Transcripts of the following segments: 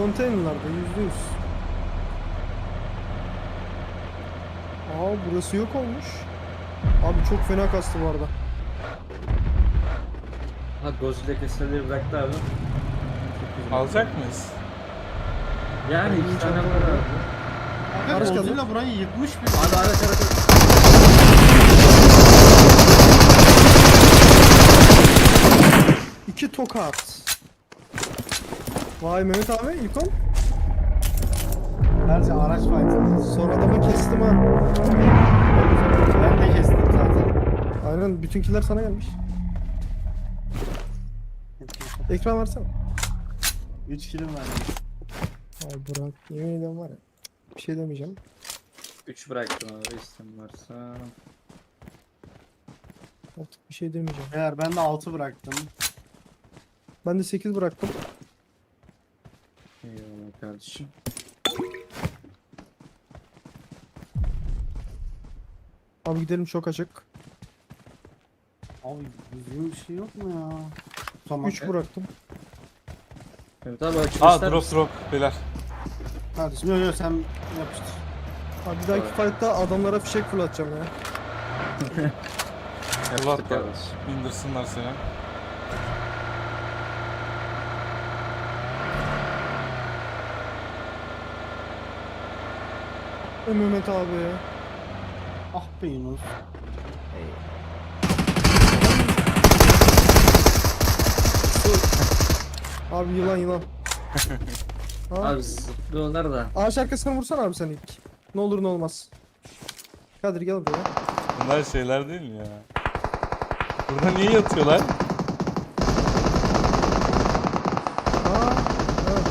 Konteynerlarda %100. Aa burası yok olmuş. Abi çok fena kastı bu arada. Ha Godzilla keseleri bıraktı abi. Çok güzel. Alacak mıyız? Yani Benim iki tane çantam var var. abi. Abi Araç geldi. Godzilla burayı yıkmış bir. Abi araç. İki tokat. Vay Mehmet abi İlkon. Bence araç fight'ı. Son adamı kestim ha. Ben de kestim zaten. Aynen bütünkiler sana gelmiş. Ekran versene. 3 kilim var. Ay Burak yemin ediyorum var ya. Bir şey demeyeceğim. 3 bıraktım abi istem varsa. Artık bir şey demeyeceğim. Eğer ben de 6 bıraktım. Ben de 8 bıraktım. Eyvallah kardeşim. Abi gidelim çok açık. Abi düzgün bir şey yok mu ya? Tamam. 3 bıraktım. Evet abi açık Aa ister drop misin? drop beyler. Kardeşim yok yok sen yapıştır. Abi bir dahaki fight'ta adamlara fişek fırlatacağım ya. Allah Yaptık da kardeşim. indirsinler seni. Mehmet abi. Ah be Yunus. Abi yılan yılan. Ha? Abi zıplıyorlar da. Ağaç arkasına vursana abi sen ilk. Ne olur ne olmaz. Kadir gel buraya. Bunlar şeyler değil mi ya? Burada niye yatıyorlar? Aa, evet.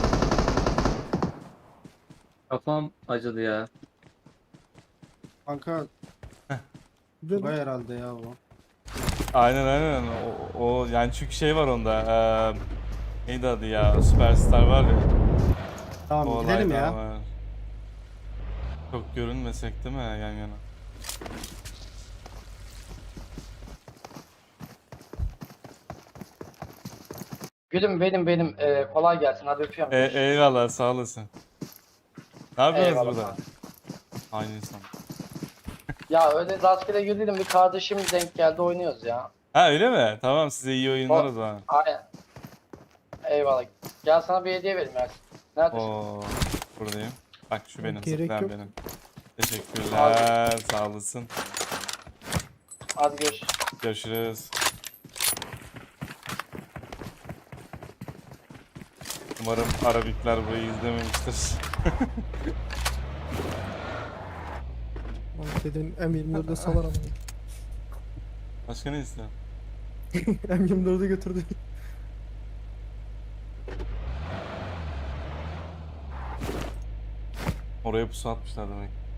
Kafam acıdı ya. Kanka Güzel. Tugay herhalde ya bu. Aynen aynen. O yani çünkü şey var onda. Neydi adı ya? Superstar var ya. Tamam O gidelim olayda ya. var. Çok görünmesek değil mi yan yana? Gülüm benim kolay gelsin hadi öpüyorum. Eyvallah sağ olasın. Ne yapıyorsunuz Eyvallah. burada? Aynı insan. Ya öyle rastgele güldüm bir kardeşim denk geldi oynuyoruz ya. Ha öyle mi? Tamam size iyi oyunlar o zaman. Aynen. Eyvallah. Gel sana bir hediye vereyim Ersin. Neredesin? Oo, buradayım. Bak şu benim, Gerek zıplayan yok. benim. Teşekkürler, sağ olasın. Hadi görüşürüz. Görüşürüz. Umarım Arabikler burayı izlememiştir. Abi dedin M24'de salar ama. Başka ne istiyorsun? M24'ü götürdü. Oraya pusu atmışlar demek.